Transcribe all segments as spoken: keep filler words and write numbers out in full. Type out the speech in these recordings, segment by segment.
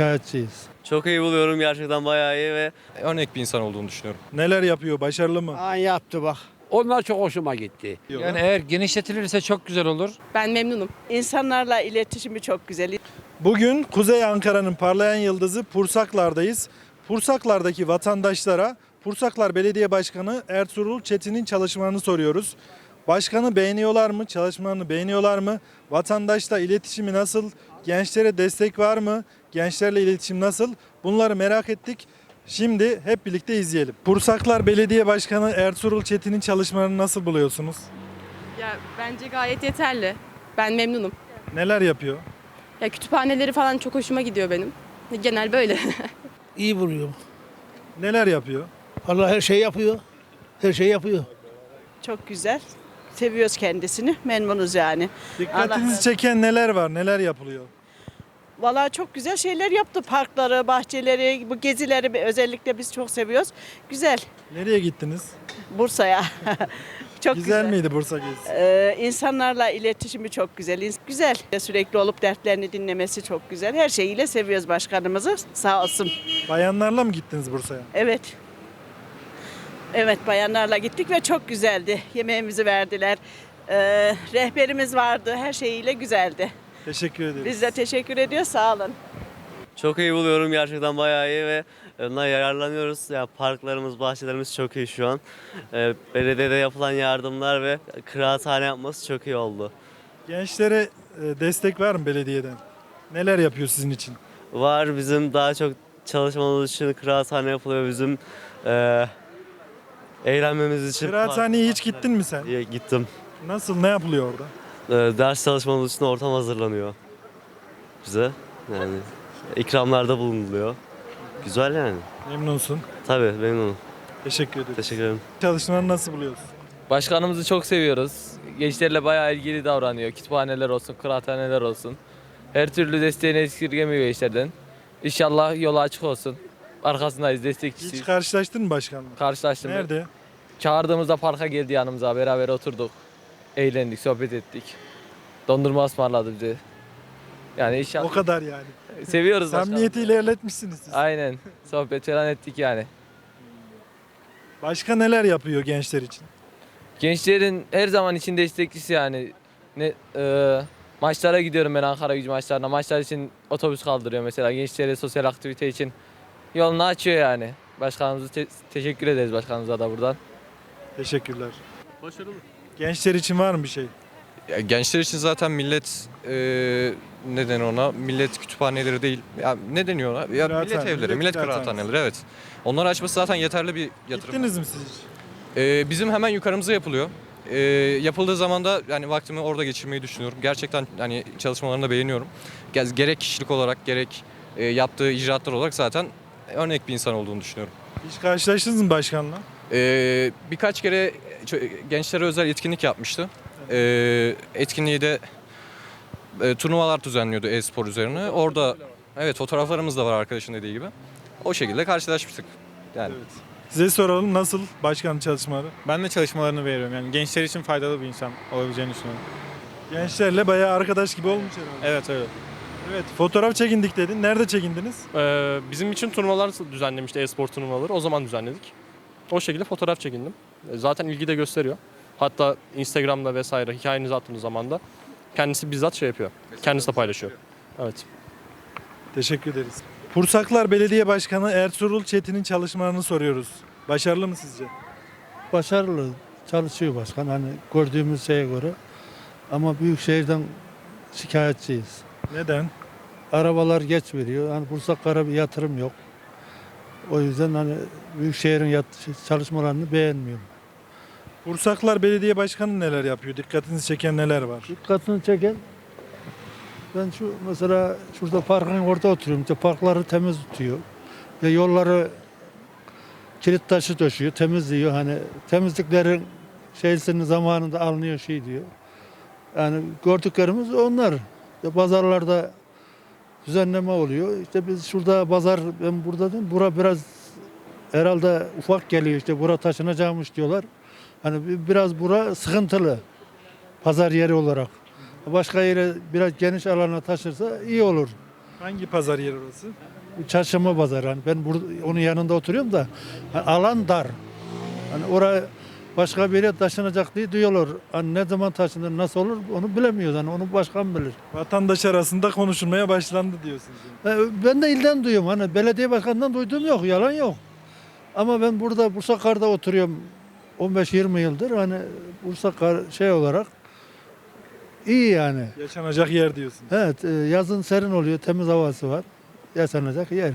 şikayetçiyiz. Çok iyi buluyorum, gerçekten bayağı iyi ve Örnek bir insan olduğunu düşünüyorum. Neler yapıyor? Başarılı mı? Aa, yaptı bak. Onlar çok hoşuma gitti. Yani eğer genişletilirse çok güzel olur. Ben memnunum. İnsanlarla iletişimi çok güzel. Bugün Kuzey Ankara'nın parlayan yıldızı Pursaklar'dayız. Pursaklar'daki vatandaşlara Pursaklar Belediye Başkanı Ertuğrul Çetin'in çalışmalarını soruyoruz. Başkanı beğeniyorlar mı? Çalışmalarını beğeniyorlar mı? Vatandaşla iletişimi nasıl? Gençlere destek var mı? Gençlerle iletişim nasıl? Bunları merak ettik. Şimdi hep birlikte izleyelim. Pursaklar Belediye Başkanı Ertuğrul Çetin'in çalışmalarını nasıl buluyorsunuz? Ya bence gayet yeterli. Ben memnunum. Neler yapıyor? Ya kütüphaneleri falan çok hoşuma gidiyor benim. Genel böyle. İyi buluyor. Neler yapıyor? Allah her şey yapıyor. Her şey yapıyor. Çok güzel. Seviyoruz kendisini. Memnunuz yani. Dikkatinizi Allah- çeken neler var? Neler yapılıyor? Vallahi çok güzel şeyler yaptı. Parkları, bahçeleri, bu gezileri özellikle biz çok seviyoruz. Güzel. Nereye gittiniz? Bursa'ya. Çok güzel, güzel. miydi Bursa gezisi? Ee, insanlarla iletişimi çok güzel. İns- Güzel. Sürekli olup dertlerini dinlemesi çok güzel. Her şeyiyle seviyoruz başkanımızı. Sağ olsun. Bayanlarla mı gittiniz Bursa'ya? Evet. Evet, bayanlarla gittik ve çok güzeldi. Yemeğimizi verdiler. Ee, rehberimiz vardı. Her şeyiyle güzeldi. Teşekkür ederiz. Biz de teşekkür ediyoruz. Sağ olun. çok iyi buluyorum, gerçekten bayağı iyi ve ondan yararlanıyoruz. Ya parklarımız, bahçelerimiz çok iyi şu an. Ee, belediyede yapılan yardımlar ve kıraathane yapması çok iyi oldu. Gençlere e, destek var mı belediyeden? Neler yapıyor sizin için? Var, bizim daha çok çalışmamız için kıraathane yapılıyor, bizim e, eğlenmemiz için. Kıraathaneye hiç gittin mi sen? Park- Gittim. Nasıl, ne yapılıyor orada? Ee, ders çalışmamız için ortam hazırlanıyor bize. Yani ikramlarda bulunuluyor. Güzel yani. Memnunsun. Tabii memnunum. Teşekkür ederiz. Teşekkür ederim. Çalışmaları nasıl buluyorsun? Başkanımızı çok seviyoruz. Gençlerle bayağı ilgili davranıyor. Kütüphaneler olsun, kıraathaneler olsun. Her türlü desteğini esirgemiyor gençlerden. İnşallah yolu açık olsun. Arkasındayız, destekçisiyiz. Hiç karşılaştın mı başkanla? Karşılaştım. Nerede? Çağırdığımızda parka geldi yanımıza. Beraber oturduk. Eğlendik, sohbet ettik. Dondurma ısmarladı bize. Yani inşallah. O kadar yani. Seviyoruz başkanımızı. Samimiyeti ilerletmişsiniz siz. Aynen. Sohbet falan ettik yani. Başka neler yapıyor gençler için? Gençlerin her zaman için destekçisi yani. Ne e, maçlara gidiyorum ben, Ankaragücü maçlarına. Maçlar için otobüs kaldırıyor mesela. Gençlere sosyal aktivite için yolunu açıyor yani. Başkanımıza te- teşekkür ederiz başkanımıza da buradan. Teşekkürler. Başarılı. Gençler için var mı bir şey? Ya gençler için zaten millet e, ne denir ona? Millet kütüphaneleri değil. Ya ne deniyor ona? Ya millet Kıraathane, evleri, millet millet kıraathanesi. kıraathaneleri, evet. Onları açması zaten yeterli bir yatırım. Gittiniz mi siz hiç? E, bizim hemen yukarımıza yapılıyor. E, yapıldığı zaman da yani vaktimi orada geçirmeyi düşünüyorum. Gerçekten hani çalışmalarını da beğeniyorum. Ge- Gerek kişilik olarak gerek e, yaptığı icraatlar olarak zaten örnek bir insan olduğunu düşünüyorum. Hiç karşılaştınız mı başkanla? Ee, birkaç kere ço- gençlere özel etkinlik yapmıştı. Ee, etkinliği de e, turnuvalar düzenliyordu e-spor üzerine. Orada evet fotoğraflarımız da var arkadaşın dediği gibi. O şekilde karşılaşmıştık. Yani Evet. Size soralım, nasıl başkan çalışmaları? Ben de çalışmalarını beğeniyorum. Yani gençler için faydalı bir insan olabileceğini düşünüyorum. Gençlerle bayağı arkadaş gibi olmuş herhalde. Evet öyle. Evet, fotoğraf çekindik dedin. Nerede çekindiniz? Ee, bizim için turnuvalar düzenlemişti, e-spor turnuvaları. O zaman düzenledik. O şekilde fotoğraf çekindim. E, Zaten ilgi de gösteriyor. Hatta Instagram'da vesaire hikayenizi attığınız zaman da kendisi bizzat şey yapıyor. Kendisi de paylaşıyor. Evet. Teşekkür ederiz. Pursaklar Belediye Başkanı Ertuğrul Çetin'in çalışmalarını soruyoruz. Başarılı mı sizce? Başarılı çalışıyor başkan hani gördüğümüz şeye göre. Ama Büyükşehir'den şikayetçiyiz. Neden? Arabalar geç veriyor. Hani Bursaklara bir yatırım yok. O yüzden hani Büyükşehir'in yat- çalışmalarını beğenmiyorum. Pursaklar Belediye Başkanı neler yapıyor? Dikkatinizi çeken neler var? Dikkatini çeken ben şu mesela şurada parkın orada oturuyorum. İşte parkları temiz tutuyor. Ve yolları kilit taşı döşüyor, temizliyor. Hani temizliklerin şeysinin zamanında alınıyor şey diyor. Yani gördüklerimiz onlar. İşte pazarlarda düzenleme oluyor. İşte biz şurada pazar, ben burada değil, bura biraz herhalde ufak geliyor. İşte bura taşınacakmış diyorlar. Hani bi- biraz bura sıkıntılı pazar yeri olarak. Başka yere biraz geniş alana taşırsa iyi olur. Hangi pazar yeri orası? Çarşamba pazarı. Hani ben burada, onun yanında oturuyorum da hani alan dar. Hani oraya başka bir yere taşınacak diye diyorlar. Hani ne zaman taşınır, nasıl olur onu bilemiyoruz. Hani onu başkan bilir. Vatandaş arasında konuşulmaya başlandı diyorsunuz. yani. E, Ben de ilden duyuyorum. Hani belediye başkanından duyduğum yok. Yalan yok. Ama ben burada Bursakar'da oturuyorum on beş yirmi yıldır. Hani Bursakar şey olarak iyi yani. Yaşanacak yer diyorsunuz. Evet, e, yazın serin oluyor, temiz havası var. Yaşanacak yer.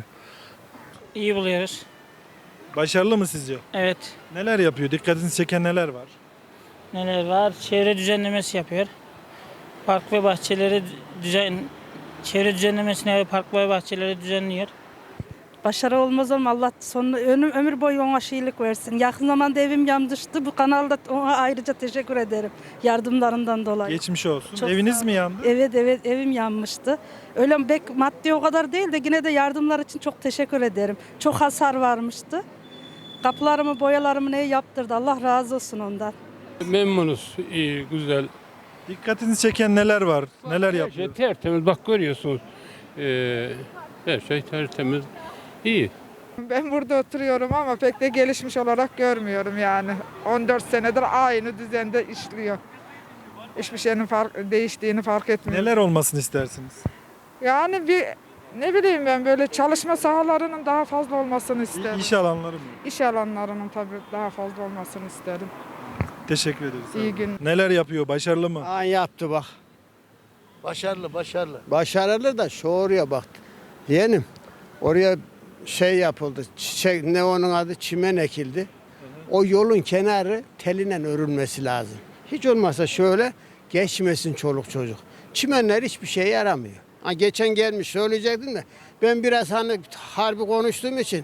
İyi buluyoruz. Başarılı mı sizce? Evet. Neler yapıyor? Dikkatinizi çeken neler var? Neler var? Çevre düzenlemesi yapıyor. Park ve bahçeleri düzen çevre düzenlemesine ve park ve bahçeleri düzenliyor. Başarı olmaz ama Allah sonunu ömür, ömür boyu ona şeylik versin. Yakın zamanda evim yanmıştı. Bu kanalda ona ayrıca teşekkür ederim yardımlarından dolayı. Geçmiş olsun. Çok Eviniz sağ mi olun. yandı? Evet evet evim yanmıştı. Öyle bek maddi o kadar değil de yine de yardımlar için çok teşekkür ederim. Çok hasar varmıştı. Kapılarımı, boyalarımı ne yaptırdı. Allah razı olsun ondan. Memnunuz. İyi, güzel. Dikkatinizi çeken neler var? Neler Her yapıyor? şey tertemiz. Bak görüyorsunuz. Ee, her şey tertemiz. İyi. Ben burada oturuyorum ama pek de gelişmiş olarak görmüyorum yani. on dört senedir aynı düzende işliyor. Hiçbir şeyin fark, değiştiğini fark etmiyorum. Neler olmasını istersiniz? Yani bir ne bileyim ben böyle çalışma sahalarının daha fazla olmasını isterim. İş alanları mı? İş alanlarının tabii daha fazla olmasını isterim. Teşekkür ederiz. İyi gün. Neler yapıyor? Başarılı mı? An yaptı bak. Başarılı, başarılı. Başarılı da şu oraya bak. Yeğenim. Oraya şey yapıldı. Çiçek ne onun adı çimen ekildi. O yolun kenarı teline örülmesi lazım. Hiç olmazsa şöyle geçmesin çoluk çocuk. Çimenler hiçbir şeye yaramıyor. Ha, geçen gelmiş söyleyecektim de ben biraz hani harbi konuştuğum için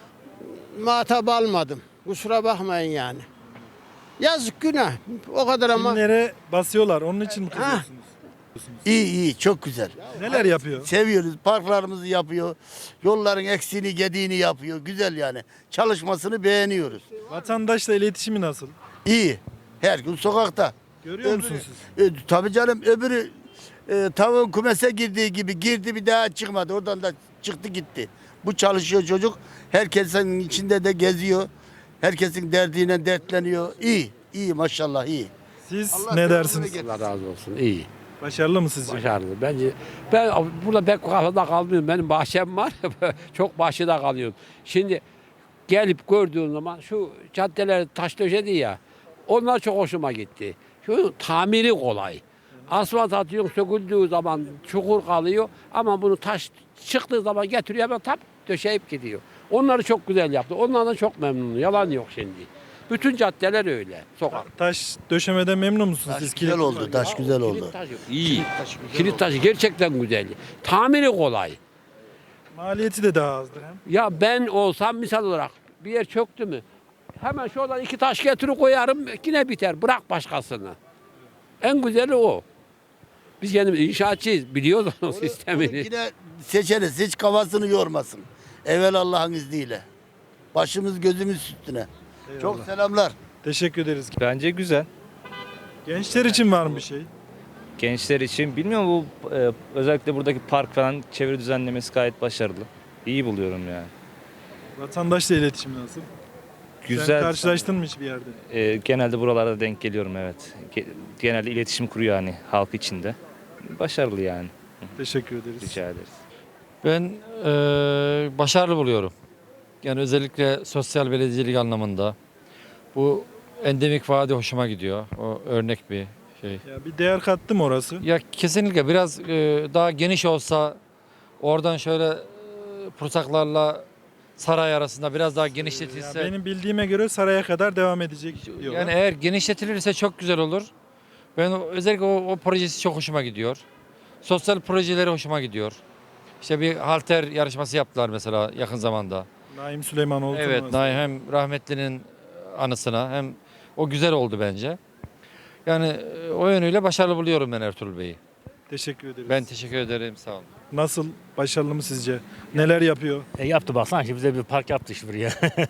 muhatap almadım. Kusura bakmayın yani. Yazık günah. O kadar ama. Kimlere basıyorlar? Onun için mi Ha. kızıyorsunuz? İyi iyi, çok güzel. Neler yapıyor? Seviyoruz, parklarımızı yapıyor, yolların eksiğini gediğini yapıyor. Güzel yani. Çalışmasını beğeniyoruz. Vatandaşla iletişimi nasıl? İyi. Her gün sokakta. Görüyor Öbürü- musunuz siz? E, tabii canım, öbürü e, tavuğun kumese girdiği gibi girdi, bir daha çıkmadı. Oradan da çıktı gitti. Bu çalışıyor çocuk. Herkesin içinde de geziyor. Herkesin derdiyle dertleniyor. İyi, iyi maşallah iyi. Siz Allah ne devamını dersiniz? getirsin. Allah razı olsun. İyi. Başarılı mı sizce? Başarılı. Bence ben burada pek kafada kalmıyorum. Benim bahçem var. Çok bahçede kalıyorum. Şimdi gelip gördüğün zaman şu caddeler taş döşedi ya. Onlar çok hoşuma gitti. Şu tamiri kolay. Asfalt atıyorsun söküldüğü zaman çukur kalıyor ama bunu taş çıktığı zaman getiriyor hemen tap döşeyip gidiyor. Onları çok güzel yaptı. Onlardan çok memnunum. Yalan yok şimdi. Bütün caddeler öyle. Sokak. Taş döşemeden memnun musunuz Taş siz? güzel Kilit- oldu, taş güzel oldu. Kilit taşı iyi. Kilit taşı gerçekten güzel. Tamiri kolay. Maliyeti de daha azdır hem. Ya ben olsam misal olarak bir yer çöktü mü hemen şuradan iki taş getirip koyarım yine biter. Bırak başkasını. En güzeli o. Biz kendimiz inşaatçıyız. Biliyoruz onun sistemini. Yine seçeriz, hiç kafasını yormasın. Evvel Allah'ın izniyle. Başımız gözümüz üstüne. Çok selamlar. Teşekkür ederiz. Bence güzel. Gençler için var mı bir şey? Gençler için bilmiyorum bu e, özellikle buradaki park falan çevre düzenlemesi gayet başarılı. İyi buluyorum yani. Vatandaşla iletişim nasıl? Sen Güzel. karşılaştın mı hiçbir yerde? E, genelde buralarda denk geliyorum evet. Ge- Genelde iletişim kuruyor hani halk içinde. Başarılı yani. Teşekkür ederiz. Rica ederiz. Ben eee, başarılı buluyorum. Yani özellikle sosyal belediyecilik anlamında. Bu endemik vadi hoşuma gidiyor. O örnek bir şey. Ya bir değer kattı mı orası? Ya kesinlikle biraz eee, daha geniş olsa oradan şöyle eee, Pursaklarla saray arasında biraz daha Ya genişletilse. benim bildiğime göre saraya kadar devam edecek diyorlar. Yani eğer genişletilirse çok güzel olur. Ben o- özellikle o, o projesi çok hoşuma gidiyor. Sosyal projeleri hoşuma gidiyor. İşte bir halter yarışması yaptılar mesela yakın zamanda. Naim Süleymanoğlu. Evet, turnuvası. Naim hem rahmetlinin anısına hem o güzel oldu bence. Yani e, o yönüyle başarılı buluyorum ben Ertuğrul Bey'i. Teşekkür ederiz. Ben teşekkür ederim, sağ olun. Nasıl? Başarılı mı sizce? Neler yapıyor? E yaptı baksana şimdi bize bir park yaptı işte buraya.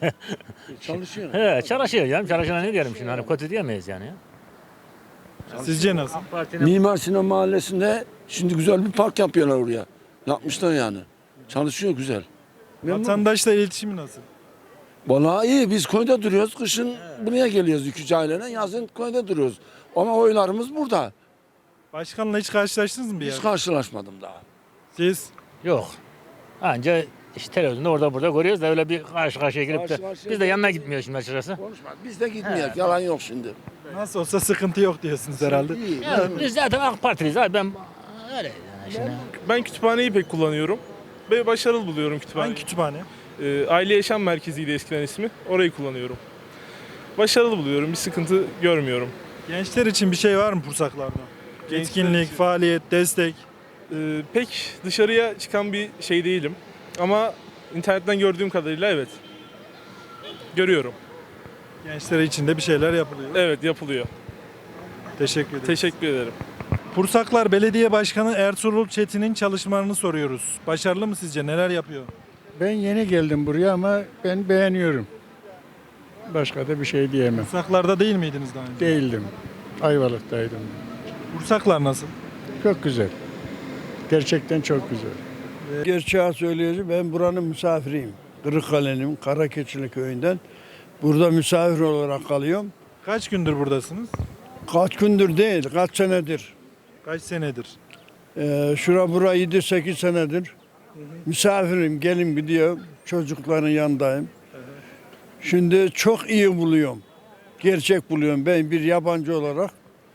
Çalışıyor. He, çalışıyor canım. Çalışana ne diyelim şimdi hani kötü diyemeyiz yani. Sizce nasıl? Partinin Mimar Sinan Mahallesi'nde şimdi güzel bir park yapıyorlar oraya. Yapmışlar yani. Çalışıyor güzel. Vatandaşla iletişimi nasıl? Vallahi iyi. Biz köyde duruyoruz. Kışın buraya geliyoruz iki üç aileyle. Yazın köyde duruyoruz. Ama oylarımız burada. Başkanla hiç karşılaştınız mı bir Hiç yer? karşılaşmadım daha. Siz? Yok. Anca işte televizyonda orada burada görüyoruz da öyle bir karşı karşıya gelip de Karşı karşıya biz de yanına gitmiyoruz şimdi açıkçası. Konuşma. Biz de gitmeyek. Yalan yok şimdi. Nasıl olsa sıkıntı yok diyorsunuz herhalde. İyi. Ya, biz zaten AK Partiliyiz abi ben öyle yani şimdi. Ben kütüphaneyi pek kullanıyorum ve başarılı buluyorum kütüphaneyi. Hangi kütüphane? Ee, Aile Yaşam Merkezi'ydi eskiden ismi. Orayı kullanıyorum. Başarılı buluyorum. Bir sıkıntı görmüyorum. Gençler için bir şey var mı Pursaklar'da? Gençler Etkinlik, için- faaliyet, destek. Ee, pek dışarıya çıkan bir şey değilim. Ama internetten gördüğüm kadarıyla evet. Görüyorum. Gençler için de bir şeyler yapılıyor. Evet, yapılıyor. Teşekkür ederim. Teşekkür ederim. Pursaklar Belediye Başkanı Ertuğrul Çetin'in çalışmalarını soruyoruz. Başarılı mı sizce? Neler yapıyor? Ben yeni geldim buraya ama ben beğeniyorum. Başka da bir şey diyemem. Pursaklar'da değil miydiniz daha önce? Değildim. Ayvalık'taydım. Pursaklar nasıl? Çok güzel. Gerçekten çok güzel. Gerçeği söyleyeceğim, ben buranın misafiriyim. Kırıkkale'nin Karakeçili köyünden. Burada misafir olarak kalıyorum. Kaç gündür buradasınız? Kaç gündür değil, kaç senedir. Kaç senedir? Ee, şura bura yedi sekiz senedir. Misafirim, gelin gidiyor. Çocukların yanındayım. Şimdi çok iyi buluyorum. Gerçek buluyorum. Ben bir yabancı olarak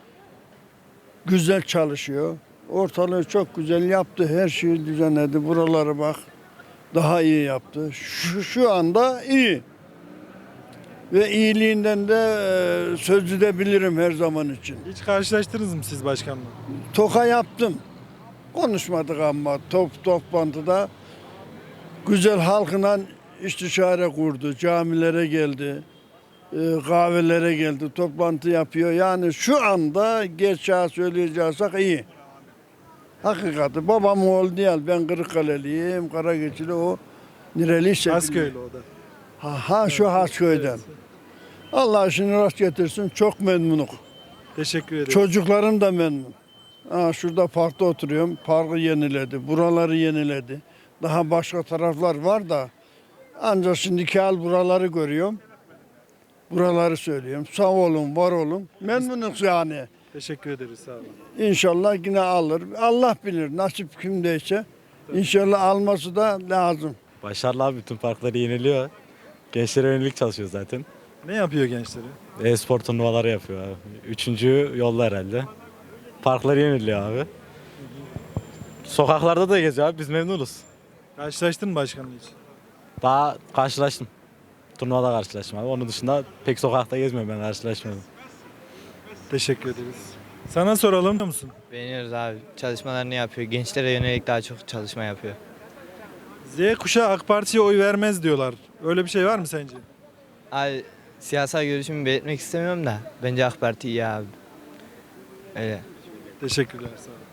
güzel çalışıyor. Ortalığı çok güzel yaptı. Her şeyi düzenledi. Buraları bak daha iyi yaptı. Şu, şu anda iyi. Ve iyiliğinden de e, söz edebilirim her zaman için. Hiç karşılaştınız mı siz başkanla? Toka yaptım. Konuşmadık ama top toplantıda güzel halkla istişare kurdu. Camilere geldi. e, Kahvelere geldi. Toplantı yapıyor. Yani şu anda gerçeği söyleyeceksek iyi. Hakikati. Babam oğlu değil. Ben Kırıkkaleliyim. Karageçili o. Nereliyse. Hasköylü o da. Ha, ha şu Hasköy'den. Allah işini rast getirsin. Çok memnunum. Teşekkür ederim. Çocuklarım da memnun. Ha, şurada parkta oturuyorum. Parkı yeniledi. Buraları yeniledi. Daha başka taraflar var da ancak şimdiki hal buraları görüyorum. Buraları söylüyorum. Sağ olun, var olun. Memnunuz yani. Teşekkür ederiz. Sağ olun. İnşallah yine alır. Allah bilir nasip kimdeyse. İnşallah alması da lazım. Başarılı abi, bütün parkları yeniliyor. Gençlere yönelik çalışıyor zaten. Ne yapıyor gençleri? E-spor turnuvaları yapıyor abi. Üçüncü yolda herhalde. Parkları yeniliyor abi. Sokaklarda da geziyor abi, biz memnunuz. Karşılaştın mı başkanla hiç? Daha karşılaştım. Turnuvada karşılaştım abi. Onun dışında pek sokakta gezmiyorum, ben karşılaşmadım. Teşekkür ederiz. Sana soralım biliyor musun? Beğeniyoruz abi. Çalışmalarını yapıyor. Gençlere yönelik daha çok çalışma yapıyor. Z kuşağı AK Parti'ye oy vermez diyorlar. Öyle bir şey var mı sence? Abi siyasal görüşümü belirtmek istemiyorum da bence AK Parti iyi abi. Öyle. Teşekkürler. Sağ olun.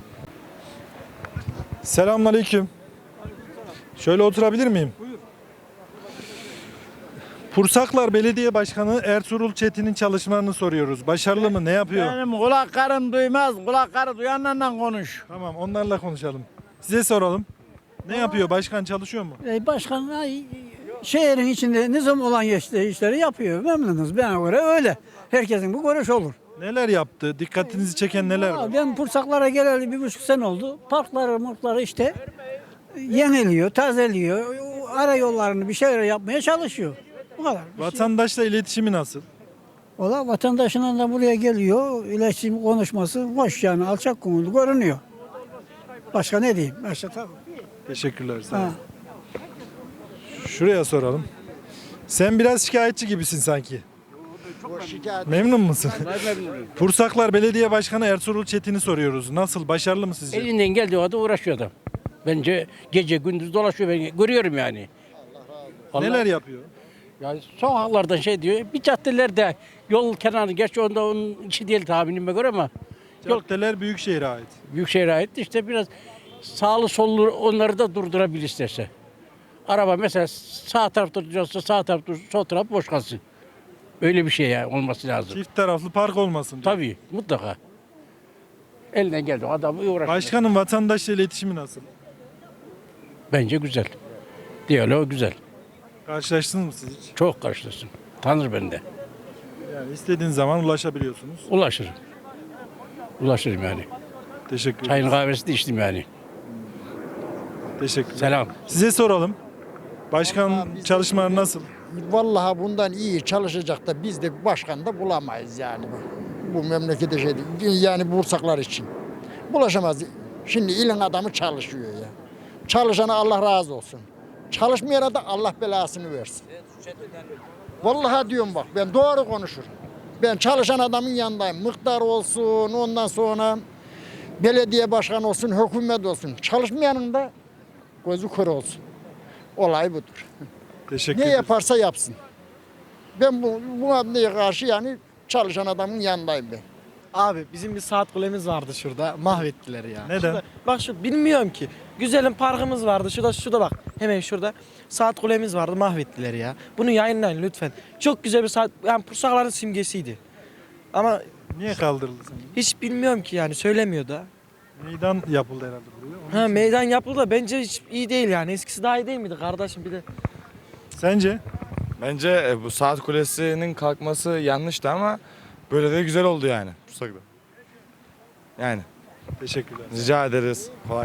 Selamünaleyküm. Şöyle oturabilir miyim? Buyur. Pursaklar Belediye Başkanı Ertuğrul Çetin'in çalışmalarını soruyoruz. Başarılı mı? Ne yapıyor? Benim kulaklarım duymaz. Kulakları duyanlarla konuş. Tamam, onlarla konuşalım. Size soralım. Ne yapıyor? Başkan çalışıyor mu? E, başkan ay, şehrin içinde nizam olan geçtiği işleri yapıyor. Memnunuz. Bana göre öyle. Herkesin bu görüş olur. Neler yaptı? Dikkatinizi çeken neler var? Aa, ben Pursaklara geleli bir buçuk sene oldu. Parkları, markları işte yeniliyor, tazeliyor. Ara yollarını bir şeyler yapmaya çalışıyor. Bu kadar. Vatandaşla iletişimi nasıl? Valla vatandaşının da buraya geliyor. İletişim konuşması hoş yani alçak gönüllü görünüyor. Başka ne diyeyim? Başka tabii. Teşekkürler. Sağ olun. Ha. Şuraya soralım. Sen biraz şikayetçi gibisin sanki. Memnun musun? Pursaklar Belediye Başkanı Ertuğrul Çetin'i soruyoruz. Nasıl? Başarılı mı sizce? Elinden geldiği kadar uğraşıyor adam. Bence gece gündüz dolaşıyor, ben görüyorum yani. Vallahi- Neler yapıyor? Yani sokaklardan şey diyor, bir caddelerde yol kenarı, gerçi onda onun içi değil tahminime göre ama yol Caddeler Büyükşehir'e ait. Büyükşehir'e ait işte biraz sağlı sollu onları da durdurabilir isterse. Araba mesela sağ tarafta duruyorsa sağ tarafta dursun, sol taraf boş kalsın. Öyle bir şey yani olması lazım. Çift taraflı park olmasın diyor. Tabii mutlaka. Elinden geldi adamı uğraşıyor. Başkanın vatandaşla iletişimi nasıl? Bence güzel. Diyaloğu güzel. Karşılaştınız mı siz hiç? Çok karşılasın. Tanır beni de. Yani istediğin zaman ulaşabiliyorsunuz. Ulaşırım. Ulaşırım yani. Teşekkür ederim. Çayın kahvesi de içtim yani. Teşekkür Selam. Size soralım. Başkan çalışmaları nasıl? Vallahi bundan iyi çalışacak da biz de başkan da bulamayız yani. Bu memlekete şey değil. Yani Bursaklar için. Bulaşamaz. Şimdi ilin adamı çalışıyor ya. Çalışana Allah razı olsun. Çalışmayana da Allah belasını versin. Vallahi diyorum bak ben doğru konuşurum. Ben çalışan adamın yanındayım. Mıktar olsun ondan sonra belediye başkanı olsun, hükümet olsun. Çalışmayanın da gözü kör olsun. Olay budur. Teşekkür Ne ederim. yaparsa yapsın. Ben bu, bu ablaya karşı yani çalışan adamın yanındayım ben. Abi bizim bir saat kulemiz vardı şurada. Mahvettiler ya. Neden? Şurada- bak şu bilmiyorum ki. Güzelim parkımız vardı. Şurada şurada bak. Hemen şurada. Saat kulemiz vardı. Mahvettiler ya. Bunu yayınlayın lütfen. Çok güzel bir saat. Yani Pursakların simgesiydi. Ama Niye kaldırıldı sence? hiç bilmiyorum ki yani söylemiyor da. Meydan yapıldı herhalde buraya. Onun Ha için- meydan yapıldı da bence hiç iyi değil yani. Eskisi daha iyi değil miydi kardeşim bir de. Sence? Bence bu saat kulesinin kalkması yanlıştı ama böyle de güzel oldu yani Bursa'da. Yani Teşekkürler. rica ederiz. Kolay